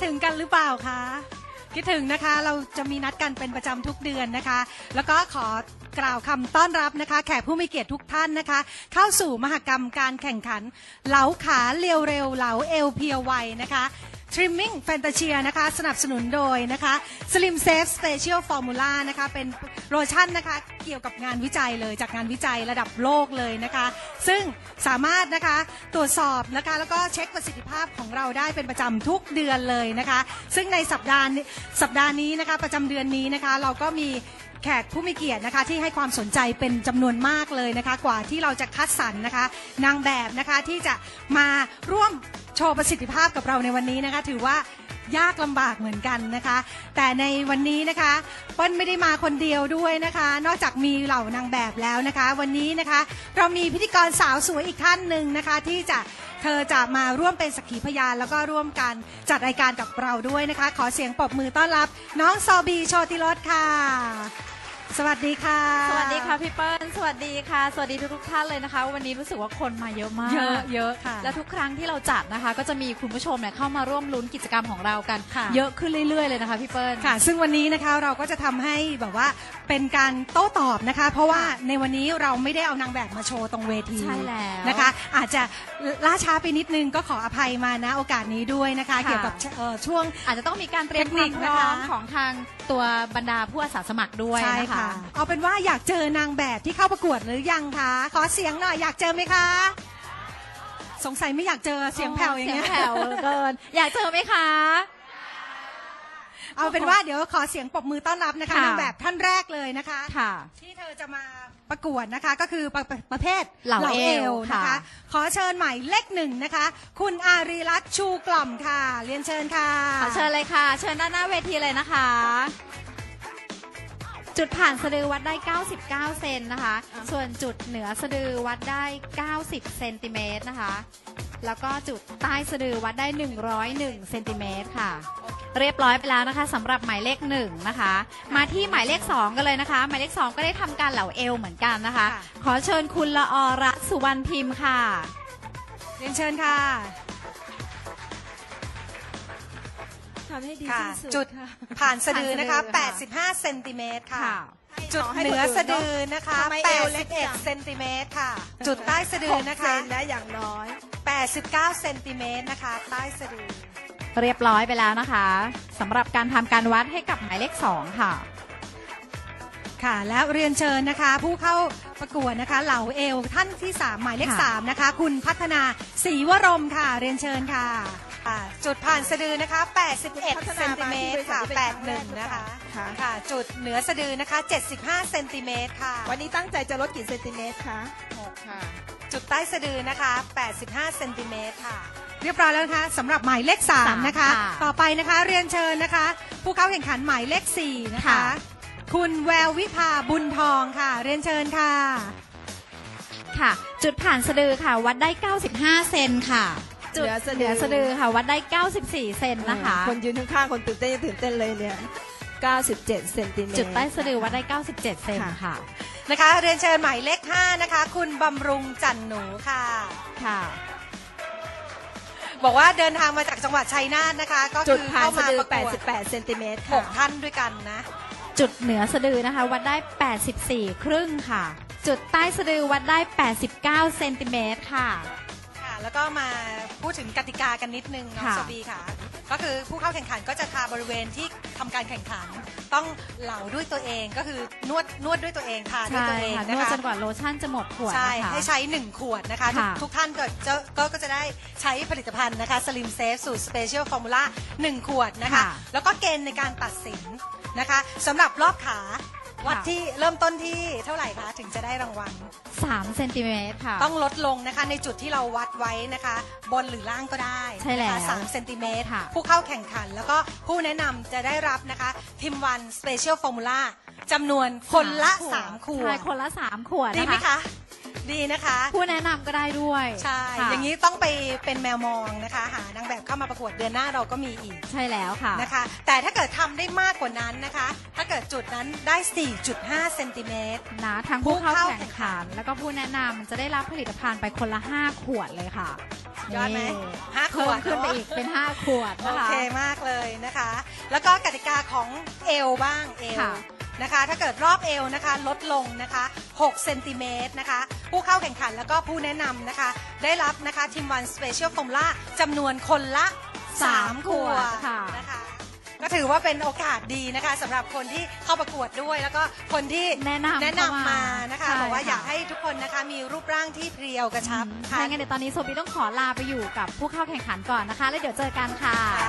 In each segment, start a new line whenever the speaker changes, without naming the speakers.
ถึงกันหรือเปล่าคะคิดถึงนะคะเราจะมีนัดกันเป็นประจำทุกเดือนนะคะแล้วก็ขอกล่าวคำต้อนรับนะคะแขกผู้มีเกียรติทุกท่านนะคะเข้าสู่มหกรรมการแข่งขันเหลาขาเรียวเร็วเหลาเอวเพียวไวนะคะ Trimming Fantasia นะคะสนับสนุนโดยนะคะ Slim Safe Special Formula นะคะเป็นโลชั่นนะคะเกี่ยวกับงานวิจัยเลยจากงานวิจัยระดับโลกเลยนะคะซึ่งสามารถนะคะตรวจสอบนะคะแล้วก็เช็คประสิทธิภาพของเราได้เป็นประจำทุกเดือนเลยนะคะซึ่งในสัปดาห์นี้นะคะประจำเดือนนี้นะคะเราก็มีแขกผู้มีเกียรตินะคะที่ให้ความสนใจเป็นจำนวนมากเลยนะคะกว่าที่เราจะคัดสรรนะคะนางแบบนะคะที่จะมาร่วมโชว์ประสิทธิภาพกับเราในวันนี้นะคะถือว่ายากลำบากเหมือนกันนะคะแต่ในวันนี้นะคะเปิ้ลไม่ได้มาคนเดียวด้วยนะคะนอกจากมีเหล่านางแบบแล้วนะคะวันนี้นะคะเรามีพิธีกรสาวสวยอีกท่านหนึ่งนะคะที่เธอจะมาร่วมเป็นสักขีพยานแล้วก็ร่วมกันจัดรายการกับเราด้วยนะคะขอเสียงปรบมือต้อนรับน้องซอบีโชติรสค่ะสวัสดีค่ะ
สวัสดีค่ะพี่เปิ้ลสวัสดีค่ะสวัสดีทุกท่านเลยนะคะวันนี้รู้สึกว่าคนมาเยอะมาก
เยอะค่ะ
และทุกครั้งที่เราจัดนะคะก็จะมีคุณผู้ชมเนี่ยเข้ามาร่วมลุ้นกิจกรรมของเรากันเยอะขึ้นเรื่อยๆเลยนะคะพี่เปิ้ล
ค่ะซึ่งวันนี้นะคะเราก็จะทำให้แบบว่าเป็นการโต้ตอบนะคะเพราะว่าในวันนี้เราไม่ได้เอานางแบบมาโชว์ตรงเวที
ใช่แล้ว
นะคะอาจจะล่าช้าไปนิดนึงก็ขออภัยมาณโอกาสนี้ด้วยนะคะเกี่ยวกับช่วง
อาจจะต้องมีการเตรียมความพร้อมของทางตัวบรรดาผู้อาสาสมัครด้วยนะคะ
เอาเป็นว่าอยากเจอนางแบบที่เข้าประกวดหรือยังคะขอเสียงหน่อยอยากเจอไหมคะสงสัยไม่อยากเจอเสียงแผ่วอย่างเงี้ย
เสียงแผ่วเกินอยากเจอไหมคะ
เอาเป็นว่าเดี๋ยวขอเสียงปรบมือต้อนรับนะคะนางแบบท่านแรกเลยนะคะที่เธอจะมาประกวดนะคะก็คือประเภท
เหล่าเอว
นะคะขอเชิญหมายเลข 1นะคะคุณอารีรัตน์ชูกล่อมค่ะเรียนเชิญค่ะ
ขอเชิญเลยค่ะเชิญด้านหน้าเวทีเลยนะคะจุดผ่านสะดือวัดได้99เซนนะคะส่วนจุดเหนือสะดือวัดได้90เซนติเมตรนะคะแล้วก็จุดใต้สะดือวัดได้101เซนติเมตรค่ะเรียบร้อยไปแล้วนะคะสำหรับหมายเลข1นะคะมาที่หมายเลข2กันเลยนะคะหมายเลข2ก็ได้ทำการเหลาเอวเหมือนกันนะคะขอเชิญคุณละอรัตน์สุวรรณพิมพ์ค่ะ
เรียนเชิญค่ะจุดผ่านสะดือนะคะ85เซนติเมตรค่ะจุดเหนือสะดือนะคะ81เซนติเมตรค่ะจุดใต้สะดือนะคะ
ได้อย่างน้อย
89เซนติเมตรนะคะใต้สะดือ
เรียบร้อยไปแล้วนะคะสำหรับการทำการวัดให้กับหมายเลข2ค่ะ
ค่ะและเรียนเชิญนะคะผู้เข้าประกวดนะคะเหลาเอวท่านที่3หมายเลข3นะคะคุณพัฒนาศรีวรมค่ะเรียนเชิญค่ะจุดผ่านสะดือนะคะ81เซนติเมตรค่ะ81นะคะค่ะจุดเหนือสะดือนะคะ75เซนติเมตรค่ะ
วันนี้ตั้งใจจะลดกี่เซนติเมตรคะ
6ค่ะจุดใต้สะดือนะคะ85เซนติเมตรค่ะเรียบร้อยแล้วนะคะสำหรับหมายเลข3นะคะต่อไปนะคะเรียนเชิญนะคะผู้เข้าแข่งขันหมายเลข4นะคะคุณแวววิภาบุญทองค่ะเรียนเชิญค่ะ
ค่ะจุดผ่านสะดือค่ะวัดได้95เซนค่ะจุดเหนือสะดือค่ะวัดได้94เซนนะคะ
คนยืนข้างๆคนตื่นเต้นเลยเนี่ย97เซนติเมตร
จุดใต้สะดือวัดได้97เซนค่ะ
นะคะเรียนเชิญหมายเลข5นะคะคุณบำรุงจันหนูค่ะบอกว่าเดินทางมาจากจังหวัดชัยนาทนะคะก็คือเข้ามาประกวด
88เซนติเมตร
6ท่านด้วยกันนะ
จุดเหนือสะดือนะคะวัดได้84ครึ่งค่ะจุดใต้สะดือวัดได้89เซนติเมตรค่ะ
แล้วก็มาพูดถึงกติกากันนิดนึงน้องโซบีค่ะก็คือผู้เข้าแข่งขันก็จะทาบริเวณที่ทำการแข่งขันต้องเหลาด้วยตัวเองก็คือนวดด้วยตัวเองทาด้วยตัวเองนะคะ
นวดจนกว่าโลชั่นจะหมดขวด
ใช่ให้ใช้1ขวดนะคะทุกท่านก็จะได้ใช้ผลิตภัณฑ์นะคะ Slim Safe สูตร Special Formula 1ขวดนะคะแล้วก็เกณฑ์ในการตัดสินนะคะสำหรับรอบขาวัดที่เริ่มต้นที่เท่าไหร่คะถึงจะได้รางวัล
3เซนติเมตรค่ะ
ต้องลดลงนะคะในจุดที่เราวัดไว้นะคะบนหรือล่างก็ได้
ใช่แล้ว
3เซนติเมตรผู้เข้าแข่งขันแล้วก็ผู้แนะนำจะได้รับนะคะทิมวันสเปเชียลฟอร์มูล่าจำนวนคนละ3ขวด
ใช่คนละ3ขวด
ดีไหมคะดีนะคะ
ผู้แนะนำก็ได้ด้วย
ใช่อย่างนี้ต้องไปเป็นแมวมองนะคะหานางแบบเข้ามาประกวดเดือนหน้าเราก็มีอีก
ใช่แล้วค่ะ
นะคะแต่ถ้าเกิดทำได้มากกว่านั้นนะคะถ้าเกิดจุดนั้นได้ 4.5 เซนติเมตร
นะทั้งผู้เข้าแข่งขัน แล้วก็ผู้แนะนำจะได้รับผลิตภัณฑ์ไปคนละ 5 ขวดเลยค่ะ
ยอดไหม
นี่
5 ข
เพิ่
ว
ม
ด
ขึ้นไป
เนอะ
อีกเป็น 5 ขวด
โอ
นะคะ
เคมากเลยนะคะ แล้วก็กติกาของเอวบ้างเอว
ค่ะ
นะคะ ถ้าเกิดรอบเอวนะคะลดลงนะคะ6เซนติเมตรนะคะ ผู้เข้าแข่งขันแล้วก็ผู้แนะนำนะคะ ได้รับนะคะทีมวันสเปเชียลฟอร์มูล่าจำนวนคนละ3 ขวด
ค่ะ
นะคะ ก็ถือว่าเป็นโอกาสดีนะคะสำหรับคนที่เข้าประกวดด้วย แล้วก็คนที่
แนะนำ
มานะคะ
ใช่
บอกว่า
ค่ะ
อยากให้ทุกคนนะคะมีรูปร่างที่เพรียวกระชับ
ถ้าอย่างนั้นเดี๋ยวตอนนี้โซบีต้องขอลาไปอยู่กับผู้เข้าแข่งขันก่อนนะคะ แล้วเดี๋ยวเจอกันค่ะ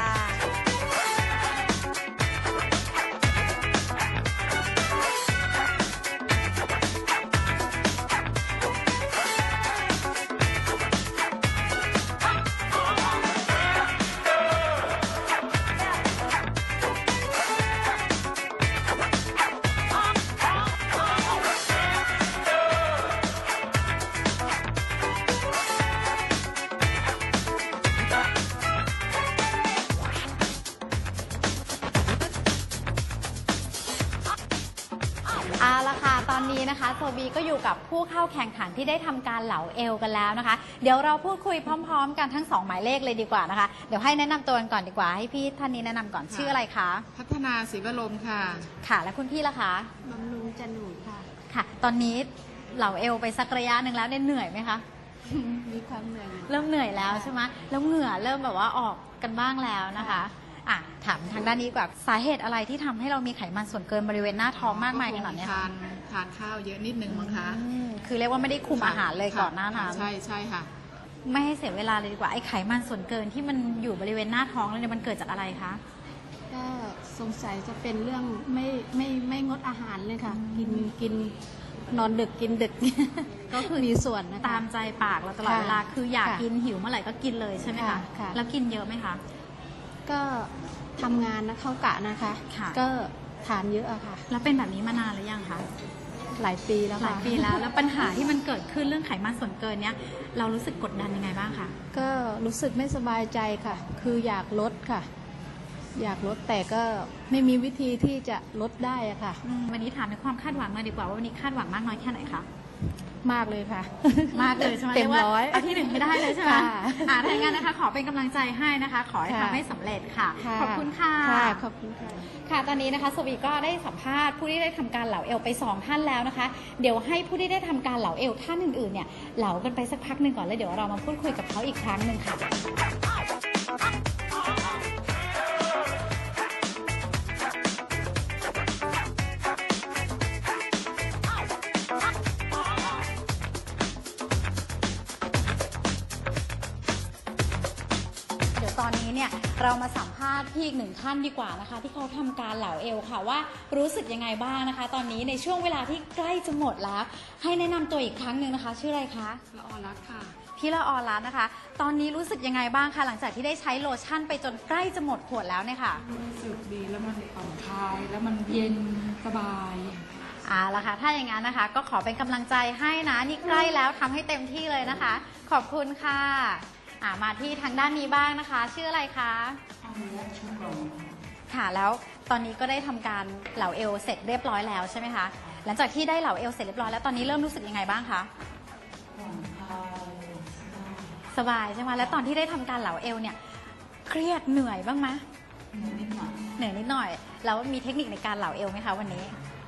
เอาละค่ะ ตอนนี้นะคะโซบีก็อยู่กับผู้เข้าแข่งขันที่ได้ทำการเหลาเอวกันแล้วนะคะ เดี๋ยวเราพูดคุยพร้อมๆ กันทั้ง 2 หมายเลขเลยดีกว่านะคะ เดี๋ยวให้แนะนำตัวกันก่อนดีกว่า ให้พี่ท่านนี้แนะนำก่อนชื่ออะไรคะ
พัฒนาศรีวรมค่ะ
ค่ะ และคุณพี่ล่ะคะ
บำรุงจันหนูค่ะ
ค่ะ ตอนนี้เหลาเอวไปสักระยะหนึ่งแล้วเนี่ยเหนื่อยไหมคะ
มีความเหนื่อย
เริ่มเหนื่อยแล้วใช่ไหมแล้วเหงื่อเริ่มแบบว่าออกกันบ้างแล้วนะคะอ่ะถามทางด้านนี้ดีกว่าสาเหตุอะไรที่ทำให้เรามีไขมันส่วนเกินบริเวณหน้าท้องมากมายขนาดเนี้ย
ทา
คะ
นทานข้าวเยอะนิดนึงมั้งคะ
คือเรียกว่าไม่ได้คุมอาหารเลย
ค่ะ
ก่อนหน้านั้น
ใช่ใช่ค่ะ
ไม่ให้เสียเวลาเลยดีกว่าไอ้ไขมันส่วนเกินที่มันอยู่บริเวณหน้าท้องแล้วเนี่ยมันเกิดจากอะไรคะ
ก็สงสัยจะเป็นเรื่องไม่งดอาหารเลยค่ะ กินนอนดึกกินดึก ก็คือมีส่วนนะคะ
ตามใจปากเราตลอด
ค่ะ
เวลาคืออยาก
ค่ะ
กินหิวเมื่อไหร่ก็กินเลยใช่ไหมคะ
ค่ะ
แล้วกินเยอะไหมคะ
ก็ทำงานนะเข้ากะนะคะ
ค่ะ
ก็ทานเยอะอะค่ะ
แล้วเป็นแบบนี้มานานหรือยังคะ
หลายปีแล้ว
หลา
ค่ะ
ยปีแล้ว แล้วปัญหาที่มันเกิดขึ้นเรื่องไขมันส่วนเกินเนี้ยเรารู้สึกกดดันยังไงบ้างคะ
ก็รู้สึกไม่สบายใจค่ะ คืออยากลดค่ะ อยากลดแต่ก็ไม่มีวิธีที่จะลดได้อะค่ะ
วันนี้ถามในความคาดหวังมาดีกว่าว่าวันนี้คาดหวังมากน้อยแค่ไหนคะ
มากเลยค่ะ
มากเลยใช่ไหม
เต็ม
รียกว่า
ร้อย
เอาที่หนึ่งไม่ได้เลยใช่ไหม
ค่ะ
ถ้าอย่างนั้นนะคะ ขอเป็นกำลังใจให้นะคะ ขอให้
ค่ะ
ทำให้สำเร็จค่ะ
ะ
ขอบคุณค่ะ
ค่ะขอบคุณค่ะ
ค่ะ ตอนนี้นะคะสวีก็ได้สัมภาษณ์ผู้ที่ได้ทำการเหลาเอวไป 2 ท่านแล้วนะคะ เดี๋ยวให้ผู้ที่ได้ทำการเหลาเอวท่านอื่นๆเนี่ยเหลากันไปสักพักหนึ่งก่อนแล้วเดี๋ยวเรามาพูดคุยกับเขาอีกครั้งหนึ่งค่ะ เดี๋ยวตอนนี้เนี่ยเรามาสัมภาษณ์พี่อีกหนึ่งท่านดีกว่านะคะ ที่เขาทำการเหลาเอวค่ะว่ารู้สึกยังไงบ้างนะคะ ตอนนี้ในช่วงเวลาที่ใกล้จะหมดแล้ว ให้แนะนำตัวอีกครั้งหนึ่งนะคะ ชื่ออะไรคะ
ละออรักค่ะ
พี่ละออรัตน์นะคะ ตอนนี้รู้สึกยังไงบ้างคะหลังจากที่ได้ใช้โลชั่นไปจนใกล้จะหมดขวดแล้วเนี่ยค่ะ
รู้สึกดีแล้วมันผ่อนคลายแล้วมันเย็นสบาย
เอาละค่ะถ้าอย่างนั้นนะคะ ก็ขอเป็นกำลังใจให้นะนี่ใกล้แล้วทำให้เต็มที่เลยนะคะ ขอบคุณค่ะมาที่ทางด้านนี้บ้างนะคะ ชื่ออะไรคะค่ะแล้วตอนนี้ก็ได้ทำการเหลาเอวเสร็จเรียบร้อยแล้วใช่ไหมคะหลังจากที่ได้เหลาเอวเสร็จเรียบร้อยแล้วตอนนี้เริ่มรู้สึกยังไงบ้างคะสบายใช่ไหมแล้วตอนที่ได้ทำการเหลาเอวเนี่ยเครียดเหนื่อยบ้างไหมเหนื่อยนิดหน่อยแล้วมีเทคนิคในการเหลาเอวไหมคะวันนี้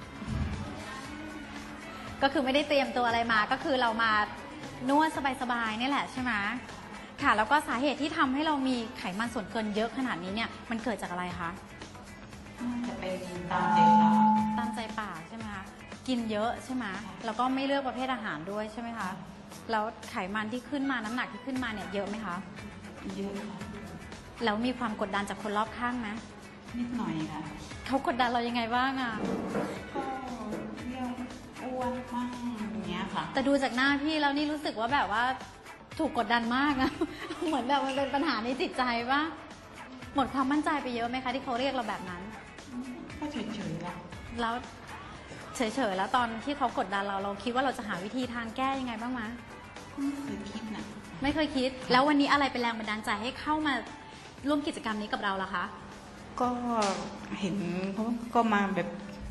ก็คือไม่ได้เตรียมตัวอะไรมาก็คือเรามานวดสบายๆนี่แหละใช่ไหมค่ะ แล้วก็สาเหตุที่ทำให้เรามีไขมันส่วนเกินเยอะขนาดนี้เนี่ยมันเกิดจากอะไรคะจะเป็นตามใจปากใช่ไหมคะกินเยอะใช่ไหมแล้วก็ไม่เลือกประเภทอาหารด้วยใช่ไหมคะแล้วไขมันที่ขึ้นมาน้ำหนักที่ขึ้นมาเนี่ยเยอะไหมคะเยอะแล้วมีความกดดันจากคนรอบข้างไหม
นิดหน่อยค่ะ
เขากดดันเรายังไงบ้างอะ
ก็เรื่องอ้วนบ้างอย่างเงี้ยค่ะ
แต่ดูจากหน้าพี่แล้วนี่รู้สึกว่าแบบว่าถูกกดดันมากนะ เหมือนแบบมันเป็นปัญหาในจิตใจว่าหมดความมั่นใจไปเยอะไหมคะที่เขาเรียกเราแบบนั้น
ก็เฉยๆละ
แล้วเฉยๆแล้วตอนที่เขากดดันเราคิดว่าเราจะหาวิธีทางแก้ยังไงบ้างมะ
ไม่เคยคิดนะ
ไม่เคยคิด แล้ววันนี้อะไรเป็นแรงบันดาลใจให้เข้ามาร่วมกิจกรรมนี้กับเราล่ะคะ
ก็เห็นเขาก็มาแบบ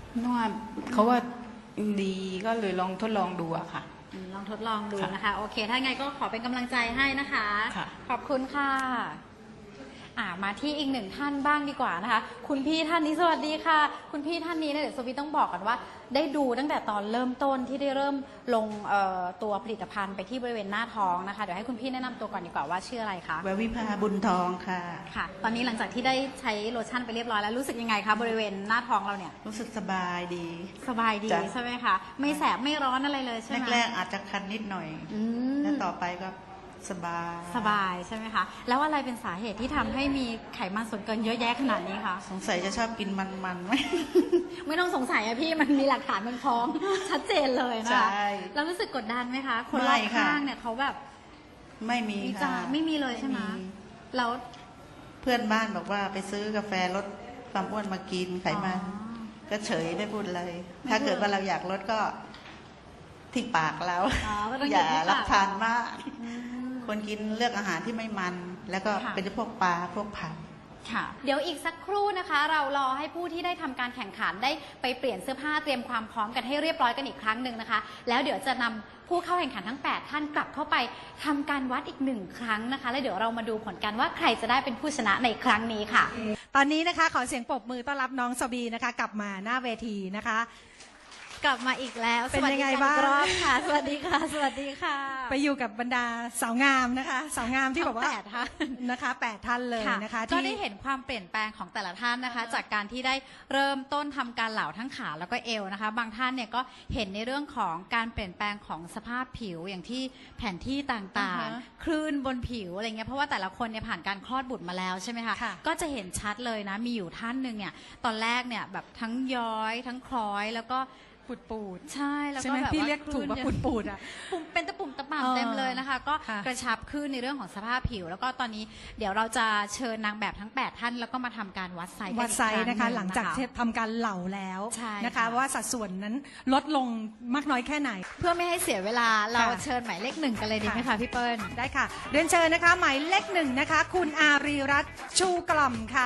นวดเขาว่าดีก็เลยลองทดลองดูอะค่ะ
ลองทดลองดู
ค่ะ
นะคะโอเคถ้าไงก็ขอเป็นกำลังใจให้นะคะ
ค่ะ
ขอบคุณค่ะมาที่อีกหนึ่งท่านบ้างดีกว่านะคะ คุณพี่ท่านนี้สวัสดีค่ะ คุณพี่ท่านนี้เนี่ยเดี๋ยวสวีต้องบอกกันว่า ได้ดูตั้งแต่ตอนเริ่มต้นที่ได้เริ่มลงตัวผลิตภัณฑ์ไปที่บริเวณหน้าท้องนะคะเดี๋ยวให้คุณพี่แนะนำตัวก่อนดีกว่าว่าชื่ออะไรคะ
แวววิภาบุญทองค่ะ
ค่ะ ตอนนี้หลังจากที่ได้ใช้โลชั่นไปเรียบร้อยแล้วรู้สึกยังไงคะบริเวณหน้าท้องเราเนี่ย
รู้สึกสบายดี
สบายดี
จ้ะ
ใช่ไหมคะไม่แสบไม่ร้อนอะไรเลยใช่ไหม
แรกๆอาจจะคันนิดหน่อย
อืม
แล้วต่อไปก็สบาย
สบายใช่ไหมคะ แล้วอะไรเป็นสาเหตุที่ทำให้มีไขมันส่วนเกินเยอะแยะขนาดนี้คะ
สงสัยจะชอบกินมันๆไหม
ไม่ต้องสงสัยอะพี่มันมีหลักฐานมันพร้อม ชัดเจนเลยนะ
ใช่
คะแล้วรู้สึกกดดันไหมคะ คนรอบ
ไม่ค่ะ
ข้างเนี่ยเขาแบบ
ไม่มี
วิจา
ค่ะ
รณ์ไม่มีเลยใช่ไหม
ไม่มี
แล้ว
เพื่อนบ้านบอกว่าไปซื้อกาแฟลดความอ้วนมากินไขมัน ก็เฉยไม่พูดเลย ถ้าเกิดว่าเราอยากลดก็ที่ปากเรา
ก็ต้อง
อย่า
ที่ปก
รับทานมาก
อืม
คนกินเลือกอาหารที่ไม่มัน แล้วก็
ค่ะ
เป็นพวกปลาพวกผัก
ค่ะเดี๋ยวอีกสักครู่นะคะ เรารอให้ผู้ที่ได้ทำการแข่งขันได้ไปเปลี่ยนเสื้อผ้าเตรียมความพร้อมกันให้เรียบร้อยกันอีกครั้งหนึ่งนะคะ แล้วเดี๋ยวจะนำผู้เข้าแข่งขันทั้ง 8 ท่านกลับเข้าไปทำการวัดอีก1ครั้งนะคะ แล้วเดี๋ยวเรามาดูผลกันว่าใครจะได้เป็นผู้ชนะในครั้งนี้ค่ะ
ตอนนี้นะคะขอเสียงปรบมือต้อนรับน้องสบีนะคะ กลับมาหน้าเวทีนะคะ
กลับมาอีกแล้ว
เป็นยังไงบ้าง
สวัสดีกันอีกรอบค่ะ สวัสดีค่ะ สวัสดีค่ะ
ไปอยู่กับบรรดาสาวงามนะคะ สาวงามที่
ทั้
แบ
ง
บว่า
8ท่าน
นะคะ8ท่านเลยนะคะ
ก็ได้เห็นความเปลี่ยนแปลงของแต่ละท่านนะคะ จากการที่ได้เริ่มต้นทำการเหลาทั้งขาแล้วก็เอวนะคะ บางท่านเนี่ยก็เห็นในเรื่องของการเปลี่ยนแปลงของสภาพผิวอย่างที่แผนที่ต่างๆ คลื่นบนผิวอะไรเงี้ยเพราะว่าแต่ละคนเนี่ยผ่านการคลอดบุตรมาแล้วใช่ไหมคะ
ค่ะ
ก็จะเห็นชัดเลยนะมีอยู่ท่านหนึ่งเนี่ยตอนแรกเนี่ยแบบทั้งย้อยทั้งคล้อยแล้วก็ปูดใช่แล้ว
ใช่
ก็
ไหม
แบบ
พี่
ว่า
เรียกถูกว่า
คลื่น
ปูดๆอ่ะ
ปุ่มเป็นตะปุ่มตะป่ำ
เออ
เต็มเลยนะคะ ก็
ค่ะ
กระชับขึ้นในเรื่องของสภาพผิว แล้วก็ตอนนี้เดี๋ยวเราจะเชิญนางแบบทั้ง 8 ท่านแล้วก็มาทำการวัดไซส์กัน
วัดไซส์นะคะ
อี
หลังจาก
รั้
ที่ทำการเหล่าแล้ว
ใช่
นะคะ
ค่ะ
ว่าสัดส่วนนั้นลดลงมากน้อยแค่ไหน
เพื่อไม่ให้เสียเวลาเรา
ค่ะ
เชิญหมายเลข 1 กันเลยดีไหมคะพี่เปิ้ล
ได้ค่ะ เรียนเชิญนะคะ หมายเลข 1นะคะ คุณอารีรัตน์ชูกล่อมค่ะ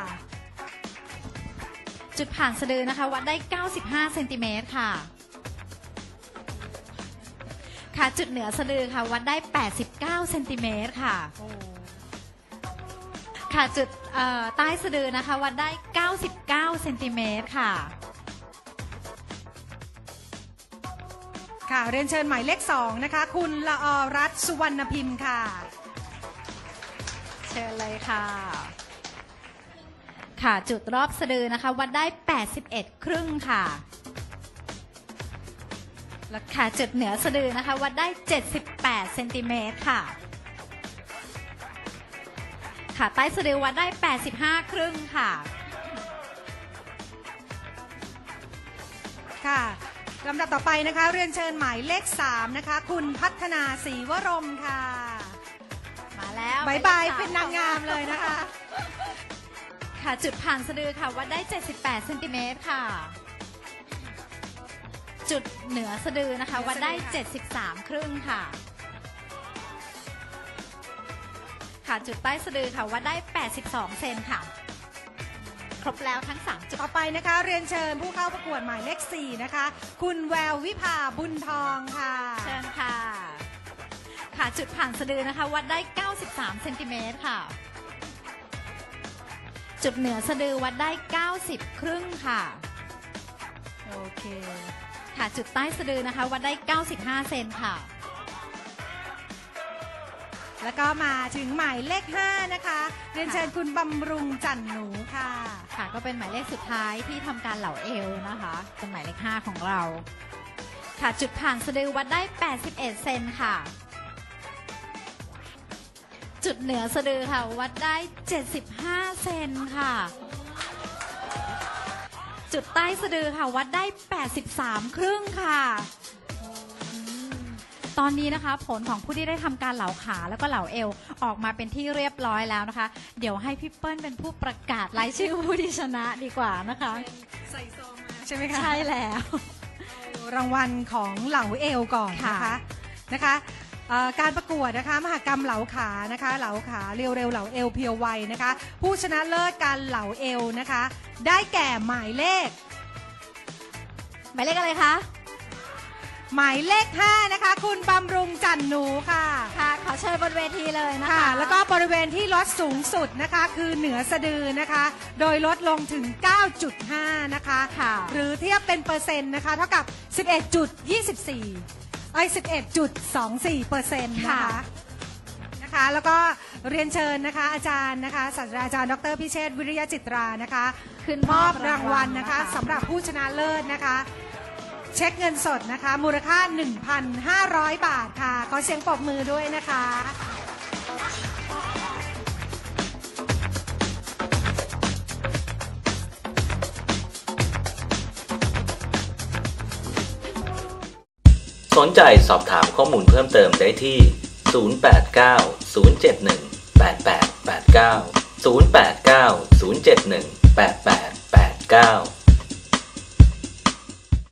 จุดผ่านสะดือนะคะ วัดได้ 95 เซนติเมตรค่ะ ค่ะจุดเหนือสะดือค่ะ วัดได้ 89 เซนติเมตรค่ะ ค่ะจุดใต้สะดือนะคะ วัดได้ 99 เซนติเมตรค่ะ
ค่ะ เรียนเชิญหมายเลข 2นะคะ คุณละอรัตน์สุวรรณพิมพ์ค่ะ
เชิญเลยค่ะ ค่ะจุดรอบสะดือนะคะ วัดได้ 81 ครึ่งค่ะ แล้วค่ะจุดเหนือสะดือนะคะ วัดได้ 78 เซนติเมตรค่ะ ค่ะใต้สะดือวัดได้ 85 ครึ่งค่ะ
ค่ะลำดับต่อไปนะคะ เรียนเชิญหมายเลข 3นะคะ คุณพัฒนาศรีวรมค่ะ
มาแล้ว
บายบาย
หมลข
เป็นนางงามเลยนะคะ
ค่ะจุดผ่านสะดือค่ะ วัดได้ 78 เซนติเมตรค่ะ จุดเหนือสะดือนะคะ วัดได้ 73 ครึ่งค่ะ ค่ะจุดใต้สะดือค่ะ วัดได้ 82 เซนค่ะ ครบแล้วทั้ง 3 จุด
ต่อไปนะคะ เรียนเชิญผู้เข้าประกวดหมายเลข 4นะคะ คุณแวววิภาบุญทองค่ะ
เชิญค่ะ ค่ะจุดผ่านสะดือนะคะ วัดได้ 93 เซนติเมตรค่ะ จุดเหนือสะดือวัดได้ 90 ครึ่งค่ะ
โอเค
ค่ะจุดใต้สะดือนะคะ วัดได้ 95 เซนค่ะ
แล้วก็มาถึงหมายเลข 5นะคะ เรียนเชิญคุณบำรุงจันหนูค่ะ
ค่ะก็เป็นหมายเลขสุดท้ายที่ทำการเหลาเอวนะคะเป็นหมายเลข 5 ของเรา ค่ะจุดผ่านสะดือวัดได้ 81 เซนค่ะ จุดเหนือสะดือค่ะ วัดได้ 75 เซนค่ะ จุดใต้สะดือค่ะ วัดได้ 83 ครึ่งค่ะตอนนี้นะคะ ผลของผู้ที่ได้ทำการเหลาขาแล้วก็เหลาเอวออกมาเป็นที่เรียบร้อยแล้วนะคะ เดี๋ยวให้พี่เปิ้ลเป็นผู้ประกาศรายชื่อผู้ที่ชนะดีกว่านะคะ
ใส่ซองมาใช่ไหมคะ
ใช่แล้ว
รางวัลของเหลาเอวก่อนนะคะ
ค่ะ
นะคะการประกวดนะคะมหกรรมเหลาขานะคะเหลาขาเร็วๆเหลาเอวเพียวไวนะคะ ผู้ชนะเลิศการเหลาเอวนะคะ ได้แก่หมายเลข
หมายเลขอะไรคะ
หมายเลข 5 นะคะ คุณบำรุงจันหนูค่ะ
ค่ะ ขอเชิญบนเวทีเลยนะคะ
ค่ะ แล้วก็บริเวณที่ลดสูงสุดนะคะคือเหนือสะดือนะคะ โดยลดลงถึง 9.5 นะคะ
ค่ะ
หรือเทียบเป็นเปอร์เซ็นต์นะคะ เท่ากับ 11.24% นะคะ แล้วก็เรียนเชิญนะคะอาจารย์นะคะศาสตราจารย์ดร.พิเชษฐ์วิริยจิตรานะคะ
ขึ้น
มอบรางวัลนะคะสำหรับผู้ชนะเลิศนะคะ เช็คเงินสดนะคะมูลค่า 1,500 บาทค่ะขอเสียงปรบมือด้วยนะคะ
สนใจสอบถามข้อมูลเพิ่มเติมได้ที่ 089 071 8889 089 071 8889